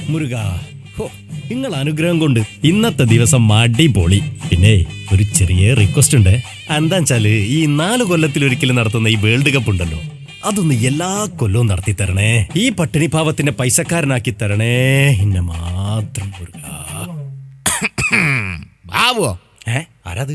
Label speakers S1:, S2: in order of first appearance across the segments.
S1: മുരുക, നിങ്ങൾ അനുഗ്രഹം കൊണ്ട് ഇന്നത്തെ ദിവസം അടിപൊളി. പിന്നെ ഒരു ചെറിയ റിക്വസ്റ്റ് ഉണ്ട്. എന്താ വെച്ചാല് ഈ 4 കൊല്ലത്തിലൊരിക്കലും നടത്തുന്ന ഈ വേൾഡ് കപ്പ് ഉണ്ടല്ലോ, അതൊന്ന് എല്ലാ കൊല്ലവും നടത്തി തരണേ. ഈ പട്ടിണി പാവത്തിന്റെ പൈസക്കാരനാക്കി തരണേ. ഇന്നെ മാത്രം മുരുക.
S2: ബാബുവോ?
S1: ആരാത്?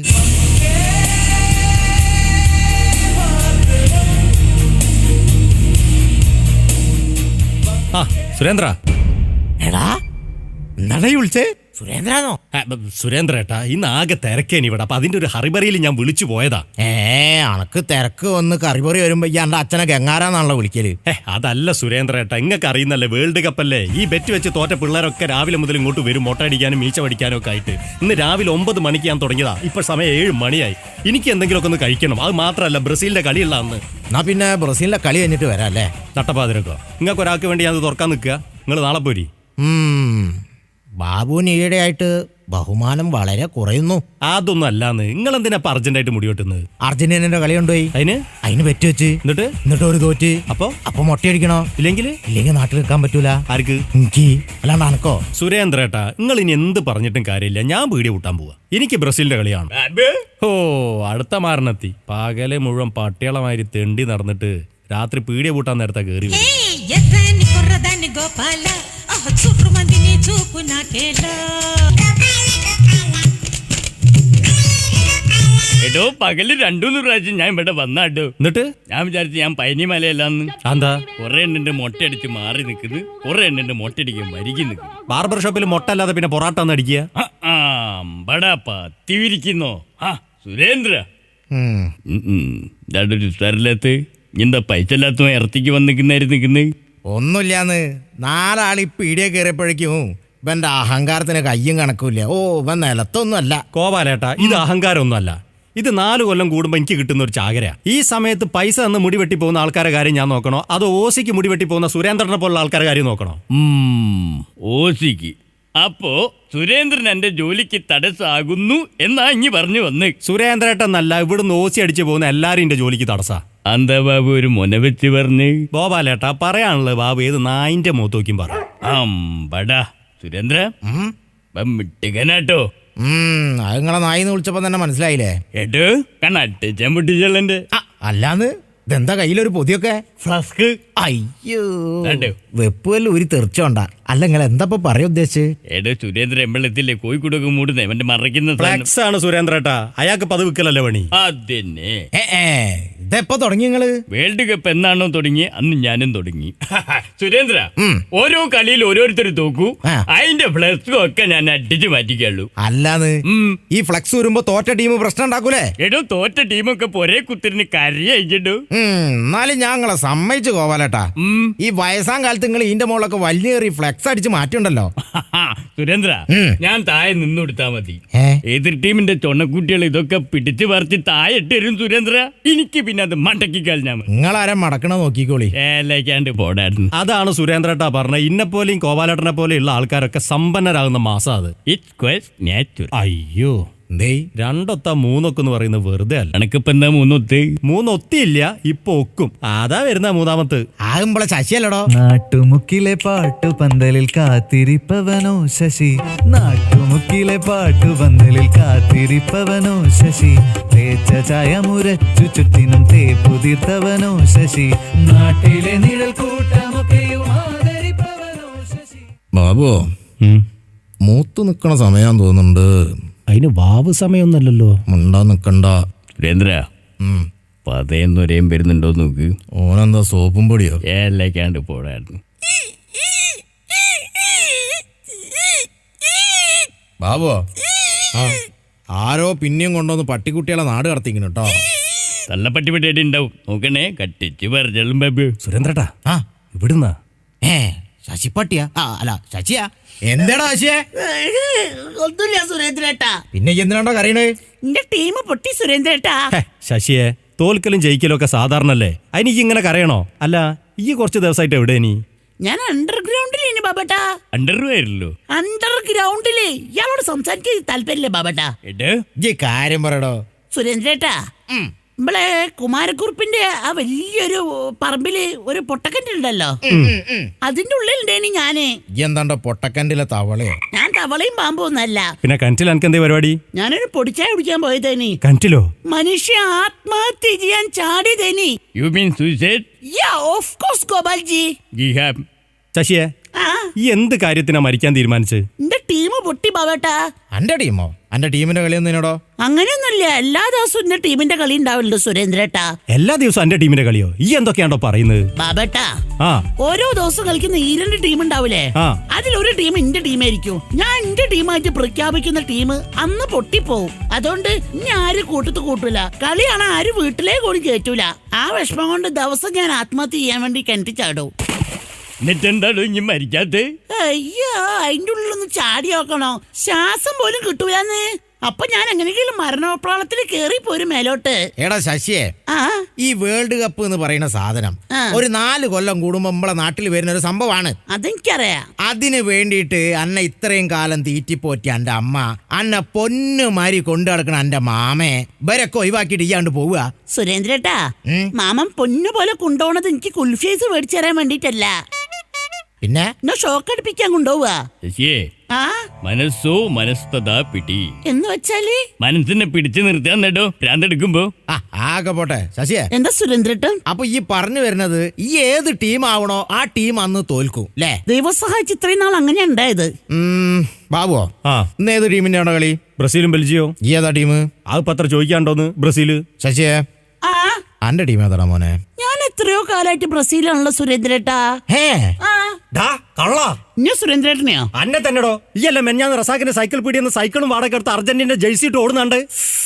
S1: ആ സുരേന്ദ്ര.
S2: എടാ എന്താ വിളിച്ചേ? സുരേന്ദ്രനോ?
S1: സുരേന്ദ്ര ഏട്ടാ, ഇന്ന് ആകെ തിരക്കേനി ഇവിടെ. അപ്പൊ അതിന്റെ ഒരു ഹറിബറിയിൽ ഞാൻ വിളിച്ചു പോയതാ.
S2: അനക്ക് തിരക്ക് വന്ന് കറിപറി വരുമ്പോ എന്റെ അച്ഛനെ ഗംഗാരാന്നാണല്ലോ വിളിക്കല്.
S1: അതല്ല സുരേന്ദ്ര ഏട്ടാ, ഇങ്ങക്ക് അറിയുന്നല്ലേ വേൾഡ് കപ്പ് അല്ലേ. ഈ ബെറ്റ് വെച്ച് തോറ്റ പിള്ളേരൊക്കെ രാവിലെ മുതൽ ഇങ്ങോട്ട് വരും, മൊട്ടടിക്കാനും മീച്ച പഠിക്കാനും ഒക്കെ ആയിട്ട്. ഇന്ന് രാവിലെ 9 മണിക്ക് ഞാൻ തുടങ്ങിയതാ. ഇപ്പൊ സമയം 7 മണിയായി. എനിക്ക് എന്തെങ്കിലുമൊക്കെ ഒന്ന് കഴിക്കണം. അത് മാത്രമല്ല ബ്രസീലിന്റെ കളിയുള്ള അന്ന്.
S2: എന്നാ പിന്നെ ബ്രസീലിന്റെ കളി കഴിഞ്ഞിട്ട് വരാം അല്ലേ?
S1: നട്ടപ്പാതിരക്കോ? നിങ്ങൾക്ക് ഒരാൾക്ക് വേണ്ടി ഞാൻ തുറക്കാൻ നിൽക്കുക. നിങ്ങൾ നാളെ പോരി.
S2: ബാബുവിന് ഈയിടെയായിട്ട് ബഹുമാനം വളരെ കുറയുന്നു.
S1: അതൊന്നും അല്ലാന്ന്. നിങ്ങൾ എന്തിനാ അർജന്റായിട്ട് മുടി വെട്ടുന്നത്?
S2: അർജന്റീനന്റെ കളി കൊണ്ടുപോയി, അതിന് ബെറ്റ് വെച്ച് എന്നിട്ട് ഒരു തോറ്റ്. അപ്പൊ മൊട്ടയടിക്കണോ? ഇല്ലെങ്കിൽ നാട്ടിൽ നിൽക്കാൻ പറ്റൂല.
S1: ആർക്ക്?
S2: എനിക്ക്. അല്ലാണ്ട് അനക്കോ?
S1: സുരേന്ദ്ര ഏട്ടാ, നിങ്ങൾ ഇനി എന്ത് പറഞ്ഞിട്ടും കാര്യമില്ല. ഞാൻ പീടിയ കൂട്ടാൻ പോവാ. എനിക്ക് ബ്രസീലിന്റെ കളിയാണ്. അടുത്ത മാരണത്തി പകലെ മുഴുവൻ പട്ടികളമാതിരി തെണ്ടി നടന്നിട്ട് രാത്രി പീടിയ കൂട്ടാൻ നേരത്തെ കയറി.
S3: എടോ, പകല് 2-3 പ്രാവശ്യം ഞാൻ ഇവിടെ വന്നാട്ടോ.
S1: എന്നിട്ട്
S3: ഞാൻ വിചാരിച്ചു ഞാൻ പൈനി മലയല്ലാന്ന്.
S1: എന്താ?
S3: കുറെ എണ്ണിന്റെ മൊട്ടയടിച്ച് മാറി നിൽക്കുന്നു, കുറെ എണ്ണിന്റെ മൊട്ടടിക്കാൻ വരികി നിൽക്കുന്നു.
S1: ബാർബർ ഷോപ്പിൽ മൊട്ട അല്ലാതെ പിന്നെ പൊറാട്ട ഒന്ന് അടിക്കുക.
S3: പത്തിരിക്കുന്നോ? സുരേന്ദ്ര ഒരു സ്ഥലത്ത് എന്താ പൈസ ഇല്ലാത്ത ഇറത്തിക്ക് വന്നിരിക്കുന്നേ?
S2: ഒന്നുമില്ലാന്ന്. 4 ആള് പീടിയ കയറിയപ്പോഴേക്കും ഇവന്റെ അഹങ്കാരത്തിന് കയ്യും കണക്കൂല്ല. ഇവൻ നിലത്തൊന്നും അല്ല.
S1: കോപാലേട്ടാ, ഇത് അഹങ്കാരമൊന്നും അല്ല. ഇത് 4 കൊല്ലം കൂടുമ്പോ എനിക്ക് കിട്ടുന്ന ഒരു ചാകരയാ. ഈ സമയത്ത് പൈസ തന്ന് മുടി വെട്ടി പോകുന്ന ആൾക്കാരെ കാര്യം ഞാൻ നോക്കണോ, അതോ ഓസിക്ക് മുടി വെട്ടി പോകുന്ന സുരേന്ദ്രനെ പോലുള്ള ആൾക്കാരെ കാര്യം നോക്കണോ?
S3: ഓസിക്ക്. അപ്പോ സുരേന്ദ്രൻ എന്റെ ജോലിക്ക് തടസ്സാകുന്നു എന്നാ ഇനി പറഞ്ഞു വന്ന്.
S1: സുരേന്ദ്രേട്ടനല്ല, ഇവിടുന്ന് ഓസി അടിച്ചു പോകുന്ന എല്ലാരും എന്റെ ജോലിക്ക് തടസ്സാ.
S3: എന്താ ബാബു ഒരു മുന വെച്ച് പറഞ്ഞ്?
S1: ഗോപാലേട്ടാ, പറയാനുള്ളത് ബാബു ഏത് നായിന്റെ മുഖത്തോക്കും പറ.
S3: സുരേന്ദ്ര മിട്ടുകനാട്ടോ.
S2: അത് നിങ്ങളെ നായിന്ന് വിളിച്ചപ്പോ തന്നെ മനസ്സിലായില്ലേ?
S3: ഏട്ടോ കണ്ണട്ടിച്ചാൻ പൊട്ടിച്ചെള്ളന്റെ.
S2: അല്ലാന്ന് ഇതെന്താ കയ്യിലൊരു പൊതിയൊക്കെ?
S3: ഫ്ലസ്ക്.
S2: അയ്യോ, വെപ്പുവല്ല ഒരു തെറിച്ചോണ്ട. അല്ല നിങ്ങൾ എന്താ പറയാ ഉദ്ദേശിച്ച്?
S3: ഏടോ സുരേന്ദ്ര എമ്പളത്തില്ലേ കോഴിക്കോടൊക്കെ മൂടുന്നേ അവന്റെ മറയ്ക്കുന്ന
S1: ഫ്ലെക്സ് ആണ് സുരേന്ദ്രേട്ടാ. അയാൾക്ക് പതിവിക്കലല്ലേ പണി.
S3: അതന്നെ.
S2: ഇതെപ്പോ തുടങ്ങി നിങ്ങള്?
S3: വേൾഡ് കപ്പ് എന്നാണോ തുടങ്ങി അന്ന് ഞാനും തുടങ്ങി. സുരേന്ദ്ര, ഓരോ കളിയിൽ ഓരോരുത്തർ തോക്കൂ, അതിന്റെ ഫ്ലെക്സും ഒക്കെ ഞാൻ അടിച്ചു മാറ്റിക്കുള്ളൂ.
S2: അല്ലാന്ന് ഈ ഫ്ലെക്സ് വരുമ്പോ തോറ്റ ടീം പ്രശ്നം ഉണ്ടാക്കൂലേ?
S3: എടോ തോറ്റ ടീമൊക്കെ ഒരേ കുത്തിരിന് കരയിച്ചിട്ടു.
S2: എന്നാലും ഞങ്ങളെ സമ്മതിച്ചു ഗോപാലേട്ടാ. ഈ വയസ്സാം കാലത്ത് നിങ്ങൾ ഇതിന്റെ മുകളിലൊക്കെ വലിയ ഫ്ലെക്സ് അടിച്ച് മാറ്റിയുണ്ടല്ലോ.
S3: സുരേന്ദ്ര, ഞാൻ താഴെ നിന്നുകൊടുത്താ മതി. എതിർ ടീമിന്റെ ചൊണ്ണക്കുട്ടികൾ ഇതൊക്കെ പിടിച്ചു പറിച്ച് താഴെ ഇട്ടുതരും സുരേന്ദ്ര. എനിക്ക് പിന്നെ അത് മടക്കി കഴിഞ്ഞാൽ മതി.
S2: നിങ്ങളാരെ മടക്കണ നോക്കിക്കോളി.
S3: ഏലേക്കാണ്ട് പോടായിരുന്നു.
S1: അതാണ് സുരേന്ദ്രേട്ടാ പറഞ്ഞ. ഇന്നെപ്പോലെയും കോപാലേട്ടനെ പോലെയുള്ള ആൾക്കാരൊക്കെ സമ്പന്നരാകുന്ന മാസം അത്.
S3: It's quest natural.
S1: അയ്യോ, 2 3 എന്ന് പറയുന്നത് വെറുതെ അല്ല.
S3: എനക്കിപ്പോ എന്താ
S1: 3 ഒത്തിയില്ല, ഇപ്പൊ ഒക്കും. അതാ വരുന്ന 3ാമത്തെ.
S2: ആകുമ്പോളെ ശശിയല്ലടോ.
S4: നാട്ടുമുക്കിലെ പാട്ടുപന്തലിൽ കാത്തിരിപ്പവനോ ശശി, നാട്ടുമുക്കിലെ പാട്ടുപന്തലിൽ കാത്തിരിപ്പവനോ ശശി, തേച്ച ചായ മുരച്ചു ചുറ്റിനും തേപ്പുതിർത്തവനോ ശശി, നാട്ടിലെ നിഴൽ കൂട്ടമൊക്കെയും ആദരിപ്പവനോ ശശി.
S2: ബാബു, മൂത്തു നിക്കണ സമയം തോന്നുന്നുണ്ട്.
S1: അതിന് വാവ് സമയമൊന്നല്ലോ.
S2: മുണ്ടാ നിക്കണ്ട.
S3: സുരേന്ദ്ര, പതയെന്നൊരേം വരുന്നുണ്ടോ നോക്ക്.
S2: ഓനെന്താ സോപ്പും പൊടിയോ?
S3: ഏലേക്കാണ്ട് പോടായിരുന്നു.
S2: ബാബു, ആരോ പിന്നെയും കൊണ്ടുവന്ന് പട്ടിക്കുട്ടികളെ നാട് കടത്തിക്കുന്നു കേട്ടോ.
S3: നല്ല പട്ടിപ്പട്ടിയായിട്ട് ഉണ്ടാവും. നോക്കണേ, കട്ടിച്ച് പറിച്ചോളും ബാബു.
S1: സുരേന്ദ്രേട്ടാ, ഇവിടുന്ന
S2: ശശിപ്പട്ടിയാ? അല്ല ശശിയാ. എന്താടാ ശശിയെ?
S5: ഒന്നുമില്ല സുരേന്ദ്രേട്ടാ.
S2: പിന്നെ എന്തിനാണ്ടോ കരയണേ?
S5: എന്റെ ടീം പൊട്ടി സുരേന്ദ്രേട്ടാ.
S1: ശശിയെ, തോൽക്കലും ജയിക്കലും ഒക്കെ സാധാരണല്ലേ. അതിനിക്ക് ഇങ്ങനെ കരയണോ? അല്ല, ഈ കുറച്ച് ദിവസമായിട്ട് എവിടെ നീ?
S5: ഞാൻ അണ്ടർഗ്രൗണ്ടിലേനി ബാബട്ടാ.
S3: അണ്ടർവെയറിലോ?
S5: അണ്ടർഗ്രൗണ്ടില്. ഇയാളോട് സംസാരിക്കാൻ താല്പര്യമില്ലേ ബാബട്ടാ?
S2: കാര്യം പറയടോ
S5: സുരേന്ദ്രേട്ടാ. നമ്മളെ കുമാരക്കുറുപ്പിന്റെ ആ വലിയൊരു പറമ്പില് ഒരു പൊട്ടക്കണ്ടുണ്ടല്ലോ, അതിന്റെ ഉള്ളിലുണ്ടേനി ഞാന്.
S2: എന്താണ്ടോ പൊട്ടക്കണ്ടിലെ തവളയോ?
S5: ഞാൻ തവളയും പാമ്പും ഒന്നല്ല.
S1: പിന്നെ കിണറ്റിൽ എനിക്ക് എന്തേ പരിപാടി?
S5: ഞാനൊരു പൊടിച്ചായ കുടിക്കാൻ പോയതേനി.
S1: കിണറ്റിലോ?
S5: മനുഷ്യ ആത്മഹത്യ ചെയ്യാൻ ചാടിയതേനി.
S3: You mean suicide?
S5: Yeah of course Gopalji.
S1: ശശിയെ,
S5: ആ
S1: ഈ എന്ത് കാര്യത്തിനാ മരിക്കാൻ തീരുമാനിച്ച്?
S5: എന്റെ ടീം പൊട്ടി ബാബേട്ടാ.
S2: അന്റെ ടീമോ? അന്റെ ടീമിന്റെ കളിയൊന്നും എന്നോടോ?
S5: അങ്ങനെയൊന്നുമില്ല, എല്ലാ ദിവസവും എന്റെ ടീമിന്റെ കളി ഉണ്ടാവില്ല സുരേന്ദ്രേട്ടാ.
S1: എല്ലാ ദിവസവും എന്റെ ടീമിന്റെ കളിയോ? ഈ എന്തൊക്കെയാണോ പറയുന്നത്?
S5: ബാബേട്ടാ,
S1: ആ
S5: ഓരോ ദിവസം കളിക്കുന്ന ഈ 2 ടീം ഉണ്ടാവില്ലേ,
S1: ആ.
S5: അതിലൊരു ടീം എന്റെ ടീമായിരിക്കും. ഞാൻ എന്റെ ടീമായിട്ട് പ്രഖ്യാപിക്കുന്ന ടീം അന്ന് പൊട്ടിപ്പോവും. അതുകൊണ്ട് ഇനി ആരും കൂട്ടത്ത് കൂട്ടൂല. കളിയാണ് ആരും വീട്ടിലേ കൂടി കയറ്റൂല. ആ വിഷമം കൊണ്ട് ദിവസം ഞാൻ ആത്മഹത്യ ചെയ്യാൻ വേണ്ടി കിണറ്റി ചാടും.
S3: എന്നിട്ടെന്താണോ ഇനി മരിക്കാത്ത?
S5: അയ്യോ, അതിന്റെ ഉള്ളിലൊന്ന് ചാടി നോക്കണോ, ശ്വാസം പോലും കിട്ടൂലെന്ന്. അപ്പൊ ഞാൻ എങ്ങനെയെങ്കിലും മരണപ്രാളത്തിൽ കേറി പോരും മേലോട്ട്.
S2: എടാ ശശിയെ,
S5: ആ
S2: ഈ വേൾഡ് കപ്പ് എന്ന് പറയുന്ന സാധനം
S5: ആ.
S2: ഒരു 4 കൊല്ലം കൂടുമ്പോ നമ്മളെ നാട്ടിൽ വരുന്ന ഒരു സംഭവമാണ്.
S5: അതെനിക്കറിയാം.
S2: അതിന് വേണ്ടിയിട്ട് അന്നെ ഇത്രയും കാലം തീറ്റിപ്പോറ്റി എന്റെ അമ്മ, അന്നെ പൊന്നുമാരി കൊണ്ടു നടക്കണ എന്റെ മാമയെ ഇവരൊക്കെ ഒഴിവാക്കിയിട്ട് ഇയാണ്ട് പോവുക.
S5: സുരേന്ദ്രേട്ടാ, മാമൻ പൊന്നു പോലെ കൊണ്ടുപോണത് എനിക്ക് കുൽഫീസ് മേടിച്ചു തരാൻ വേണ്ടിട്ടല്ല,
S2: പിന്നെ
S5: എന്നെ ഷോക്ക് അടിപ്പിക്കാൻ കൊണ്ടുപോവുക.
S3: ശശിയെ,
S5: ആ
S3: മനസ്സോ മനസ്തതാ പിടി.
S5: എന്ന് വെച്ചാല്
S3: മനസ്സിനെ പിടിച്ചു നിർത്താൻ നേട്ടോ ഭ്രാന്തെടുക്കുമ്പോ.
S2: ആ ആകെ പോട്ടെ ശശിയെ.
S5: എന്താ സുരേന്ദ്രേട്ടൻ?
S2: അപ്പൊ ഈ പറഞ്ഞു വരുന്നത് ഈ ഏത് ടീം ആവണോ ആ ടീം അന്ന് തോൽക്കും അല്ലേ?
S5: ദൈവം സഹായിച്ച് ഇത്രയും നാൾ അങ്ങനെ ഉണ്ടായത്.
S2: ബാബുവോ,
S1: ആ
S2: ഇന്ന് ഏത് ടീമിന്റെ ആണോ കളി?
S1: ബ്രസീലും ബെൽജിയോ?
S2: ഈ ഏതാ ടീം?
S1: അത് പത്ര ചോദിക്കാണ്ടോന്ന്? ബ്രസീല്.
S2: ശശിയെ,
S5: ആ
S2: അന്റെ ടീം ഏതാടാ മോനെ?
S5: ഞാൻ എത്രയോ കാലായിട്ട് ബ്രസീലാണല്ലോ സുരേന്ദ്രേട്ടാ.
S2: ഹേ
S5: ആ
S1: കള്ളാ
S5: ഇനി സുരേന്ദ്രേട്ടനെയോ?
S1: അന്നെ തന്നെടോ. ഈ അല്ല മെഞ്ഞാന്ന് റസാഖിന്റെ സൈക്കിൾ പീടിയെന്ന് സൈക്കിളും വാടക എടുത്ത് അർജന്റീന ജേഴ്സി ഇട്ട് ഓടുന്നുണ്ട്.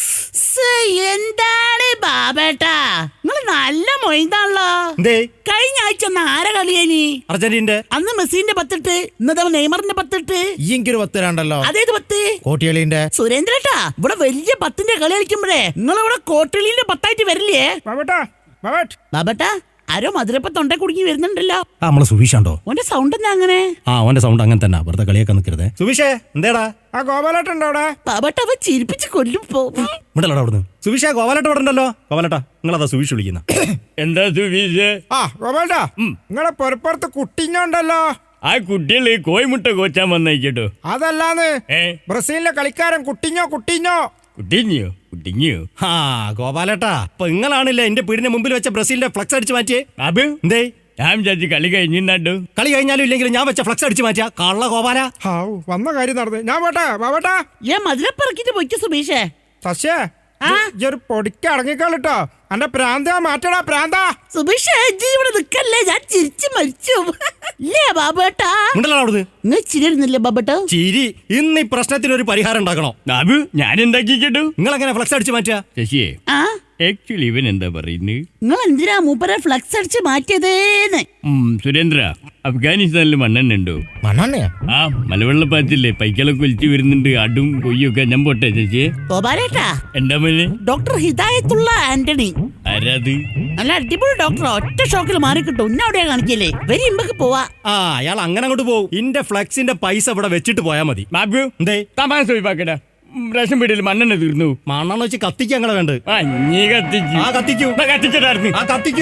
S5: എന്താണ് ബാബേട്ടാ, നിങ്ങൾ നല്ല മൊയ്താണല്ലോ.
S1: എന്തേ?
S5: കഴിഞ്ഞ ആഴ്ച ഒന്ന് ആരെ കളിയേനി?
S1: അർജന്റീനന്റെ.
S5: അന്ന് മെസ്സിന്റെ 10 ഇന്നത്തെ നെയ്മറിന്റെ 10.
S2: ഈ എനിക്കൊരു 10 രണ്ടല്ലോ.
S5: അതേത് 10?
S2: കോട്ടികളിന്റെ.
S5: സുരേന്ദ്രേട്ടാ, ഇവിടെ വലിയ 10ന്റെ കളി കളിക്കുമ്പോഴേ നിങ്ങളിവിടെ കോട്ടളിന്റെ 10 വരില്ലേ ബാബേട്ടാ? ആരോ മധുരപ്പ തൊണ്ട കുടുങ്ങി വരുന്നുണ്ടല്ലോ.
S1: നമ്മളെ സുബീഷാണ്ടോ?
S5: ഓന്റെ സൗണ്ട് എന്താ അങ്ങനെ?
S1: അവന്റെ സൗണ്ട് അങ്ങനെ തന്നെ. വെറുതെ കളിയൊക്കെ നിൽക്കരുതേ. സുബീഷേ, എന്തേടാ?
S2: ആ ഗോപാലേട്ടുണ്ടോ അവിടെ?
S5: ബാബേട്ട അവ ചിരിപ്പിച്ച് കൊല്ലും പോ.
S1: ഇവിടെടാ അവിടുന്ന്. സുബീഷേ, ഗോപാലട്ട ഇവിടെ ഉണ്ടല്ലോ. ഗോപാലട്ടാ, നിങ്ങളതാ സുബീഷ് വിളിക്കുന്ന.
S3: എന്താ സുബീഷ്?
S2: ആ ഗോപാലേട്ടാ, നിങ്ങളെ പൊറപ്പുറത്ത് കുട്ടിഞ്ഞോണ്ടല്ലോ.
S3: ആ കുട്ടികള് കോഴിമുട്ട കോച്ചാൻ വന്നേക്കട്ടോ.
S2: അതല്ലാന്ന്
S3: ഏ
S2: ബ്രസീലിലെ കളിക്കാരൻ കുട്ടിഞ്ഞോ.
S3: കുട്ടിഞ്ഞോ?
S1: ആ ഗോപാലട്ടാ, ഇപ്പൊ നിങ്ങളാണില്ലേ എന്റെ വീടിന്റെ മുമ്പിൽ വെച്ച ബ്രസീലിന്റെ ഫ്ലക്സ് അടിച്ച് മാറ്റിയേ?
S3: അബ്
S1: എന്തേ?
S3: ഞാൻ വിചാരിച്ചു കളി കഴിഞ്ഞിട്ടോ.
S1: കളി കഴിഞ്ഞാലും ഇല്ലെങ്കിലും ഞാൻ വെച്ച ഫ്ലക്സ് അടിച്ച് മാറ്റിയ കള്ള ഗോപാല.
S2: വന്ന കാര്യം നടന്നു. ഞാൻ പോട്ടെ.
S5: ഞാൻ മധുരപ്പറക്കിട്ട് പോയിക്കോ സുബീഷേ.
S2: സസ്യേ, ഒരു പൊടിക്ക് അടങ്ങിക്കോളിട്ടോ. എന്റെ പ്രാന്ത മാറ്റടാ പ്രാന്ത.
S5: സുബീഷേ, ഇവിടെ നിക്കല്ലേ, ഞാൻ ചിരിച്ചു മരിച്ചു. ഇല്ലേ ബാബേട്ടാ?
S1: ഉണ്ടല്ലോ അവിടുന്ന്.
S5: നിങ്ങൾ ചിരിയിരുന്നില്ലേ ബാബേട്ടാ?
S1: ചിരി. ഇന്ന് ഈ പ്രശ്നത്തിന് ഒരു പരിഹാരം ഉണ്ടാക്കണോ?
S3: അബ് ഞാൻ എന്താക്കിട്ടോ?
S1: നിങ്ങൾ എങ്ങനെ ഫ്ലക്സ് അടിച്ച് മാറ്റിയ?
S3: ശശിയെ,
S5: ആ
S3: ആക്ച്വലി ഇവൻ എന്താ പറയുന്നത്?
S5: നിങ്ങൾ എന്തിനാ മൂപ്പരെ ഫ്ലക്സ് അടിച്ച് മാറ്റിയതേന്ന്?
S3: സുരേന്ദ്ര, അഫ്ഗാനിസ്ഥാനിൽ മണ്ണെണ്ണ ഉണ്ടോ?
S2: മണ്ണെണ്ണയാ?
S3: ആ മലവെള്ളപ്പാച്ചില്ലേ, പൈക്കളൊക്കെ ഒലിച്ചു വരുന്നുണ്ട്, അടും കൊയ്യൊക്കെ. ഞാൻ പോട്ടെ ശശിയെ.
S5: ഗോപാലേട്ടാ,
S3: എന്താ മോനെ?
S5: ഡോക്ടർ ഹിദായത്തുള്ള ആന്റണി.
S3: ആരാത്?
S5: നല്ല അടിപൊളി ഡോക്ടർ, ഒറ്റ ഷോക്കിൽ മാറി കിട്ടും. ഇന്ന അവിടെയാ കാണിക്കല്ലേ, വരി ഇമ്പക്ക് പോവാ.
S1: ആ അയാൾ അങ്ങനെ അങ്ങോട്ട് പോകും. ഇന്റെ ഫ്ലക്സിന്റെ പൈസ ഇവിടെ വെച്ചിട്ട് പോയാ മതി.
S3: ബാബു
S1: എന്തേ?
S3: തമാശ ഒഴിവാക്കടാ. റേഷൻ പീടിയിൽ മണ്ണെണ്ണ തീർന്നു.
S1: മണ്ണെണ്ണ വെച്ച് കത്തിക്കാൻ അങ്ങനെ വേണ്ട.
S3: ആ നീ കത്തിച്ചു.
S1: ആ കത്തിക്കൂ.
S3: കത്തിച്ചടായിരുന്നു.
S1: ആ കത്തിക്കൂ.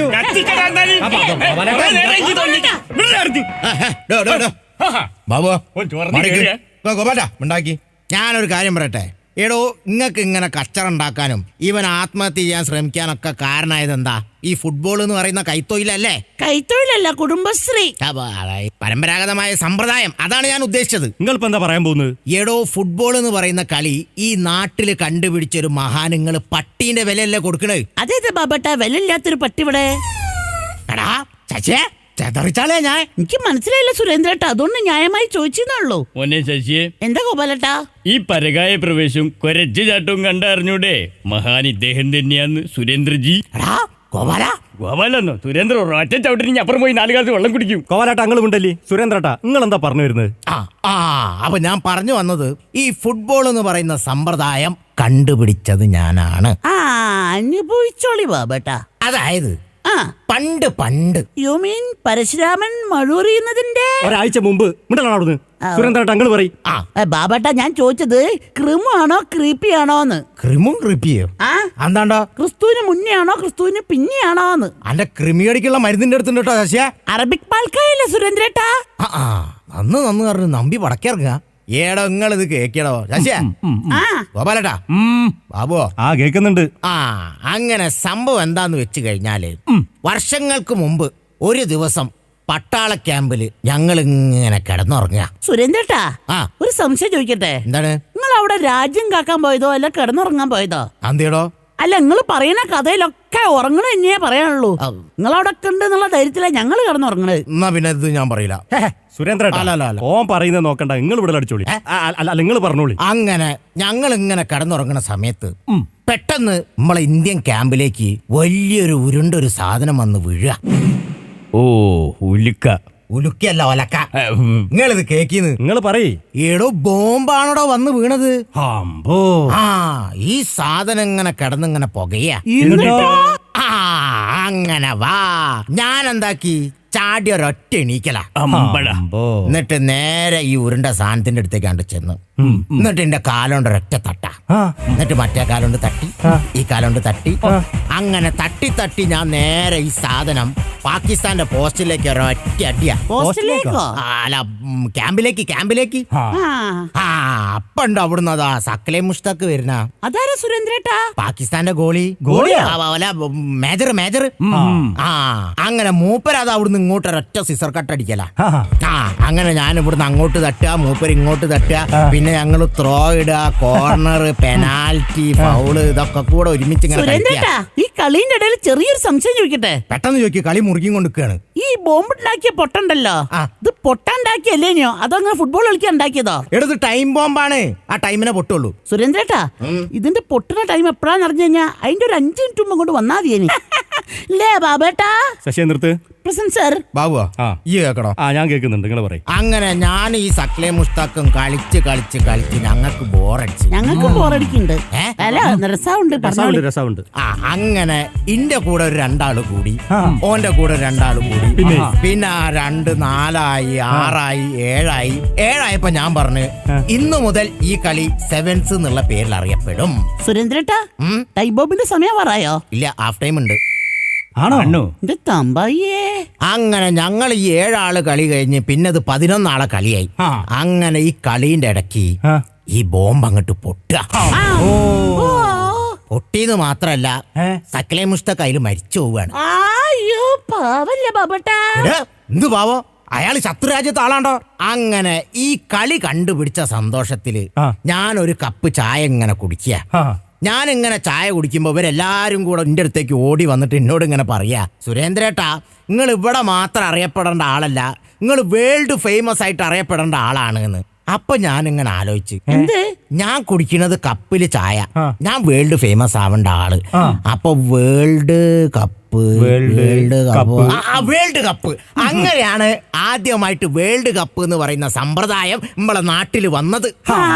S2: ബാബു
S3: ചോർന്ന് കേറിയ?
S2: ഗോപാല ഉണ്ടാക്കി. ഞാനൊരു കാര്യം പറയട്ടെ. എടോ, ഇങ്ങക്ക് ഇങ്ങനെ കച്ചറ ഉണ്ടാക്കാനും ഇവൻ ആത്മഹത്യ ചെയ്യാൻ ശ്രമിക്കാനൊക്കെ കാരണമായത് എന്താ? ഈ ഫുട്ബോൾ എന്ന് പറയുന്ന കൈത്തൊഴിലല്ലേ?
S5: കൈത്തൊഴിലല്ല, കുടുംബശ്രീ.
S2: പരമ്പരാഗതമായ സമ്പ്രദായം. അതാണ് ഞാൻ ഉദ്ദേശിച്ചത്.
S1: നിങ്ങളിപ്പോ എന്താ പറയാൻ പോകുന്നത്?
S2: എടോ, ഫുട്ബോൾ എന്ന് പറയുന്ന കളി ഈ നാട്ടില് കണ്ടുപിടിച്ചൊരു മഹാനുങ്ങള് പട്ടീന്റെ വിലയല്ലേ കൊടുക്കണേ?
S5: അതേത് ബാബേട്ടാ, വിലയില്ലാത്തൊരു പട്ടി ഇവിടെ?
S2: എടാ ചച്ചേ, ചെതറിച്ചാലേ ഞാൻ.
S5: എനിക്ക് മനസ്സിലായില്ല സുരേന്ദ്രേട്ടാ, അതുകൊണ്ട് ന്യായമായി ചോദിച്ചെന്നുള്ളൂ.
S3: മോനെ ശശിയെ,
S5: എന്താ ഗോപാലേട്ടാ?
S3: ഈ പരകായ പ്രവേശവും കൊരച്ചു ചാട്ടവും കണ്ടറിഞ്ഞൂടെ? മഹാൻ ഇദ്ദേഹം തന്നെയാന്ന് സുരേന്ദ്രജി.
S2: എടാ ഗോപാല.
S3: ഗോപാലെന്നോ? സുരേന്ദ്ര ഒറ്റ ചവിട്ടിന് അപ്പുറം പോയി 4 ഗ്ലാസ് വെള്ളം കുടിക്കും.
S1: കോവാലാട്ട അങ്ങളും ഉണ്ടല്ലേ? സുരേന്ദ്രട്ടാ, നിങ്ങൾ എന്താ പറഞ്ഞു വരുന്നത്?
S2: അപ്പൊ ഞാൻ പറഞ്ഞു വന്നത്, ഈ ഫുട്ബോൾ എന്ന് പറയുന്ന സമ്പ്രദായം കണ്ടുപിടിച്ചത് ഞാനാണ്.
S5: അനുഭവിച്ചോളി ബാബേട്ടാ.
S2: അതായത്
S5: ആ
S2: പണ്ട്
S5: യു മീൻ പരശുരാമൻ മഴൂറിയുന്നതിന്റെ
S1: ഒരാഴ്ച മുമ്പ്. മിണ്ടല്ലോ അവിടുന്ന്. സുരേന്ദ്രേട്ടാ അങ്ങള് പറയും.
S5: ബാബേട്ടാ ഞാൻ ചോദിച്ചത് ക്രിമു ആണോ ക്രീപ്പി ആണോന്ന്.
S2: ക്രിമും ക്രിപ്പിയോ
S5: ആ
S2: എന്താണ്ടോ?
S5: ക്രിസ്തുവിന് മുന്നേ ആണോ ക്രിസ്തുവിന് പിന്നെ ആണോന്ന്.
S2: അന്റെ ക്രിമിയടിക്കുള്ള മരുന്നിന്റെ അടുത്തുണ്ട് കേട്ടോ ശശിയ.
S5: അറബിക് പാൽക്കായല്ലേ സുരേന്ദ്രേട്ടാ.
S2: നന്ന് പറഞ്ഞു നമ്പി പടക്കിറങ്ങുക. ഏടോ നിങ്ങളിത് കേക്കടോ ശശിയ.
S5: ആ
S2: ഗോപാലട്ടാ ബാബുവോ
S1: ആ കേക്കുന്നുണ്ട്.
S2: അങ്ങനെ സംഭവം എന്താന്ന് വെച്ച് കഴിഞ്ഞാല് വർഷങ്ങൾക്ക് മുമ്പ് ഒരു ദിവസം പട്ടാള ക്യാമ്പില് ഞങ്ങൾ ഇങ്ങനെ കിടന്നുറങ്ങുക.
S5: സുരേന്ദ്രേട്ടാ
S2: ആ.
S5: ഒരു സംശയം ചോദിക്കട്ടെ.
S2: എന്താണ്?
S5: നിങ്ങൾ അവിടെ രാജ്യം കാക്കാൻ പോയതോ അല്ല കിടന്നുറങ്ങാൻ പോയതോ?
S2: അന്തേടോ?
S5: അല്ല നിങ്ങൾ പറയുന്ന കഥയിലൊക്കെ ഉറങ്ങണ തന്നെയേ പറയാനുള്ളൂ. നിങ്ങൾ അവിടെ ഉണ്ട് എന്നുള്ള ധൈര്യത്തിലാ ഞങ്ങൾ കിടന്നുറങ്ങണത്.
S2: എന്നാ പിന്നെ ഇത് ഞാൻ പറയില്ല.
S1: സുരേന്ദ്രേട്ടാ
S2: അല്ല.
S1: ഓൻ പറയുന്നത് നോക്കണ്ട, നിങ്ങൾ ഇവിടെ അടിച്ചോളി. അല്ല നിങ്ങൾ പറഞ്ഞോളി.
S2: അങ്ങനെ ഞങ്ങൾ ഇങ്ങനെ കിടന്നുറങ്ങുന്ന സമയത്ത് പെട്ടെന്ന് നമ്മളെ ഇന്ത്യൻ ക്യാമ്പിലേക്ക് വലിയൊരു ഉരുണ്ടൊരു സാധനം വന്ന് വീഴുക.
S3: ഓ ഉലുക്ക.
S2: ഉലുക്കല്ല ഒലക്ക. നിങ്ങളിത് കേക്കിന്ന്.
S1: നിങ്ങൾ പറയേ.
S2: ഏടോ ബോംബാണോടോ വന്ന് വീണത്.
S1: അമ്പോ.
S2: ഈ സാധനം ഇങ്ങനെ കിടന്നിങ്ങനെ പുകയാ. അങ്ങനെ വാ ഞാൻ എന്താക്കി ചാടി ഒരൊറ്റ എണീക്കല. എന്നിട്ട് നേരെ ഈ ഉരുണ്ട സാധനത്തിന്റെ അടുത്തേക്ക് കണ്ട് ചെന്നു. എന്നിട്ട് എന്റെ കാലോണ്ട് ഒരൊറ്റ തട്ട. എന്നിട്ട് മറ്റേ കാലോണ്ട് തട്ടി, ഈ കാലോണ്ട് തട്ടി. അങ്ങനെ തട്ടി തട്ടി ഞാൻ നേരെ ഈ സാധനം പാകിസ്ഥാന്റെ പോസ്റ്റിലേക്ക് ഒരൊറ്റ അടിയാ. അല്ല ക്യാമ്പിലേക്ക്. അപ്പണ്ട് അവിടുന്ന് അതാ സക്കലെ മുഷ്താഖ് വരുന്ന.
S5: അതാരാ സുരേന്ദ്രേട്ടാ?
S2: പാകിസ്ഥാന്റെ ഗോളി. മേജർ. അങ്ങനെ മൂപ്പരത് അവിടുന്ന് ഇങ്ങോട്ട് ഒരൊറ്റ സിസർ കട്ടടിക്കല. അങ്ങനെ ഞാൻ ഇവിടുന്ന് അങ്ങോട്ട് തട്ടുക, മൂപ്പര് ഇങ്ങോട്ട് തട്ടുക. പിന്നെ ഞങ്ങള് ത്രോ ഇടുക, കോർണർ, പെനാൽറ്റി, ഫൗള്, ഇതൊക്കെ കൂടെ ഒരുമിച്ച് ഇങ്ങനെ കളിക്കുക.
S5: ഈ കളിന്റെ ഇടയിൽ ചെറിയൊരു സംശയം ചോദിക്കട്ടെ.
S2: പെട്ടെന്ന് ചോദിക്കുക, കളി മുറുകിയും കൊണ്ടിരിക്കുകയാണ്.
S5: ഈ ബോംബ് ഉണ്ടാക്കിയ പൊട്ടുണ്ടല്ലോ, ഇത് പൊട്ടാണ്ടാക്കിയല്ലേനോ അതോ അങ്ങനെ ഫുട്ബോൾ കളിക്കാൻ ഉണ്ടാക്കിയതോ?
S2: എടുത്ത് ടൈം ബോംബാണ്. ആ ടൈമിനെ പൊട്ടുള്ളൂ.
S5: സുരേന്ദ്രേട്ടാ ഇതിന്റെ പൊട്ടുന്ന ടൈം എപ്പോഴാന്ന് അറിഞ്ഞു കഴിഞ്ഞാൽ അതിന്റെ ഒരു 5 മിനിറ്റ് മുമ്പ് കൊണ്ട് വന്നാ മതിയേനി. ലേ ബാബേട്ടാ.
S1: ശശി നിർത്ത്.
S5: Present sir.
S2: ബാബുവാ ഈ കേക്കടോ?
S1: ഞാൻ കേൾക്കുന്നുണ്ട്, നിങ്ങൾ പറയും.
S2: അങ്ങനെ ഞാൻ ഈ സക്ലെ മുസ്താഖും കളിച്ച് ഞങ്ങൾക്ക് ബോറടിച്ചു.
S5: ഞങ്ങൾക്ക് ബോറടിക്കുന്നുണ്ട്. അല്ല രസമുണ്ട്.
S1: രസമുണ്ട്.
S2: അങ്ങനെ ഇന്റെ കൂടെ ഒരു 2 ആള് കൂടി, ഓന്റെ കൂടെ 2 ആള് കൂടി. പിന്നെ 2, 4 ആയി, 6 ആയി, 7 ആയി. 7 ആയപ്പോ ഞാൻ പറഞ്ഞു ഇന്നു മുതൽ ഈ കളി സെവൻസ് എന്നുള്ള പേരിൽ അറിയപ്പെടും.
S5: സുരേന്ദ്രേട്ടാ ടൈബോബിന്റെ സമയം പറയായോ?
S2: ഇല്ല, ഹാഫ് ടൈം ഉണ്ട്.
S3: ആണോ?
S2: അങ്ങനെ ഞങ്ങൾ ഈ 7 ആള് കളി കഴിഞ്ഞ് പിന്നെ അത് 11 ആളെ കളിയായി. അങ്ങനെ ഈ കളീന്റെ ഇടയ്ക്ക് ഈ ബോംബ് അങ്ങോട്ട് പൊട്ടുക. പൊട്ടിയത് മാത്രല്ല സക്കലെ മുസ്തഖ് അതിൽ മരിച്ചു പോവാണ്. എന്ത് പാവോ, അയാൾ ശത്രുരാജ്യത്തെ ആളാണ്ടോ. അങ്ങനെ ഈ കളി കണ്ടുപിടിച്ച സന്തോഷത്തില് ഞാൻ ഒരു കപ്പ് ചായ ഇങ്ങനെ കുടിക്കുക. ഞാൻ ഇങ്ങനെ ചായ കുടിക്കുമ്പോ ഇവരെല്ലാരും കൂടെ എന്റെ അടുത്തേക്ക് ഓടി വന്നിട്ട് എന്നോട് ഇങ്ങനെ പറയാ, സുരേന്ദ്രേട്ടാ നിങ്ങൾ ഇവിടെ മാത്രം അറിയപ്പെടേണ്ട ആളല്ല, നിങ്ങൾ വേൾഡ് ഫേമസ് ആയിട്ട് അറിയപ്പെടേണ്ട ആളാണ് എന്ന്. അപ്പൊ ഞാൻ ഇങ്ങനെ ആലോചിച്ച്, ഞാൻ കുടിക്കുന്നത് കപ്പില് ചായ, ഞാൻ വേൾഡ് ഫേമസ് ആവേണ്ട ആള്. അപ്പൊ വേൾഡ് കപ്പ് അങ്ങനെയാണ് ആദ്യമായിട്ട് വേൾഡ് കപ്പ് എന്ന് പറയുന്ന സമ്പ്രദായം നമ്മളെ നാട്ടിൽ വന്നത്.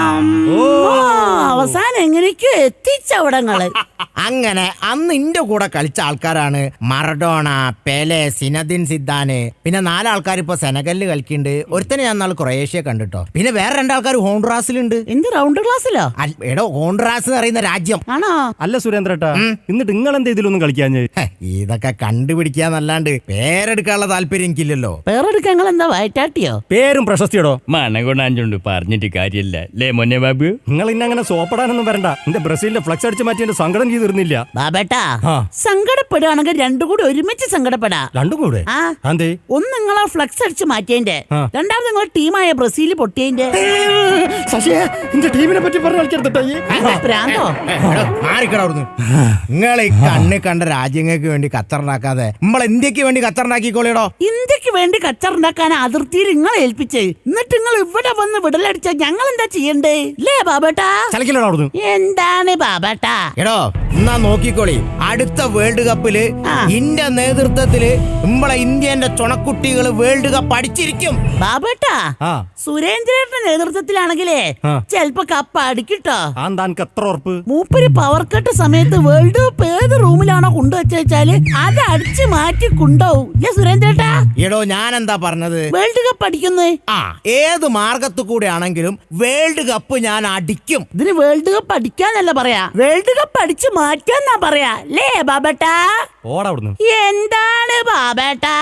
S5: അവസാനം എങ്ങനെയൊക്കെയോ എത്തിച്ചവിടങ്ങള്.
S2: അങ്ങനെ അന്ന് ഇന്റെ കൂടെ കളിച്ച ആൾക്കാരാണ് മറഡോണ, പെലെ, സിനദിൻ സിദ്ധാന്. പിന്നെ 4 ആൾക്കാർ ഇപ്പൊ സെനഗലില് കളിക്കുന്നുണ്ട്. ഒരുത്തനെ ഞാൻ നാളെ ക്രൊയേഷ്യ കണ്ടിട്ടോ. പിന്നെ വേറെ 2 ആൾക്കാർ ഹോൺഡ്രാസിലുണ്ട്.
S5: എന്ത് റൗണ്ട് ക്ലാസ്സിലോ?
S2: എടോ ഹോൺഡ്രാസ് എന്ന് പറയുന്ന രാജ്യം
S5: ആണോ?
S1: അല്ല സുരേന്ദ്രേട്ടാ, എന്നിട്ട് നിങ്ങൾ എന്താ ഇതിലൊന്നും കളിക്കാൻ?
S2: ഇതൊക്കെ കണ്ടുപിടിക്കാന്നല്ലാണ്ട് പേരെടുക്കാനുള്ള താല്പര്യം എനിക്കില്ലല്ലോ.
S5: പേരെടുക്കാൻ എന്താ വയറ്റാട്ടിയോ?
S1: പേരും പ്രശസ്തിയോടോ
S3: മനകൊണ്ടാഞ്ചുണ്ട് പറഞ്ഞിട്ട് കാര്യമില്ല. ലേ മൊന്നെ ബാബു,
S1: നിങ്ങൾ ഇന്നെ അങ്ങനെ സോപ്പടാനൊന്നും വരണ്ട. എന്റെ ബ്രസീലിന്റെ ഫ്ലക്സ് അടിച്ച് മാറ്റി എന്റെ സങ്കടം ചെയ്തിരുന്നില്ല.
S5: ബാബേട്ടാ സങ്കടപ്പെടുകയാണെങ്കിൽ 2 കൂടി ഒരുമിച്ച് സങ്കടപ്പെടാ.
S1: 2 കൂടെ?
S5: ഒന്ന് നിങ്ങളെ ഫ്ലക്സ് അടിച്ച് മാറ്റിയതിന്റെ, രണ്ടാമത് നിങ്ങളെ ടീമായ ബ്രസീൽ പൊട്ടിയതിന്റെ.
S1: ടീമിനെ പറ്റി
S5: പ്രാന്തോ?
S2: നിങ്ങൾ ഈ കണ്ണ് കണ്ട രാജ്യങ്ങൾക്ക് വേണ്ടി ഖത്തറുണ്ടാക്കാതെ നമ്മളെ ഇന്ത്യക്ക് വേണ്ടി ഖത്തറുണ്ടാക്കിക്കോളിയടോ.
S5: ഇന്ത്യക്ക് വേണ്ടി ഖത്തറുണ്ടാക്കാൻ അതിർത്തിയിൽ നിങ്ങളെ ഏൽപ്പിച്ച് എന്നിട്ട് നിങ്ങൾ ഇവിടെ വന്ന് വിടലടിച്ച ഞങ്ങൾ എന്താ ചെയ്യണ്ടേ? ലേ ബാബേട്ടാ. എന്താണ് ബാബേട്ടാ?
S2: എടോ എന്നാ നോക്കിക്കോളി, അടുത്ത വേൾഡ് കപ്പില് ഇന്ത്യ നേതൃത്വത്തില് നമ്മളെ ഇന്ത്യന്റെ ചുണക്കുട്ടികള് വേൾഡ് കപ്പ് അടിച്ചിരിക്കും.
S5: ബാബേട്ടാ സുരേന്ദ്രന്റെ നേതൃത്വത്തിലാണെങ്കിലേ ചെലപ്പോ കപ്പ് അടിക്കിട്ടോ.
S1: എത്ര ഉറപ്പ്?
S5: മൂപ്പര് പവർ കട്ട് സമയത്ത് വേൾഡ് കപ്പ് ഏത് റൂമിലാണോ കൊണ്ടുവച്ചാല് അത് അടിച്ചു മാറ്റി കൊണ്ടോവും സുരേന്ദ്രേട്ടാ.
S2: എടോ ഞാൻ എന്താ പറഞ്ഞത്?
S5: വേൾഡ് കപ്പ് അടിക്കുന്നേ.
S2: ആ ഏത് മാർഗത്തു കൂടെ ആണെങ്കിലും വേൾഡ് കപ്പ് ഞാൻ അടിക്കും.
S5: ഇതിന് വേൾഡ് കപ്പ് അടിക്കാന്നല്ല പറയാ, വേൾഡ് കപ്പ് അടിച്ചു മാറ്റാന്നാ പറയാ. ലേ ബാബേട്ടാ?
S1: ഓടാ അവിടുന്ന്.
S5: എന്താണ് ബാബേട്ടാ?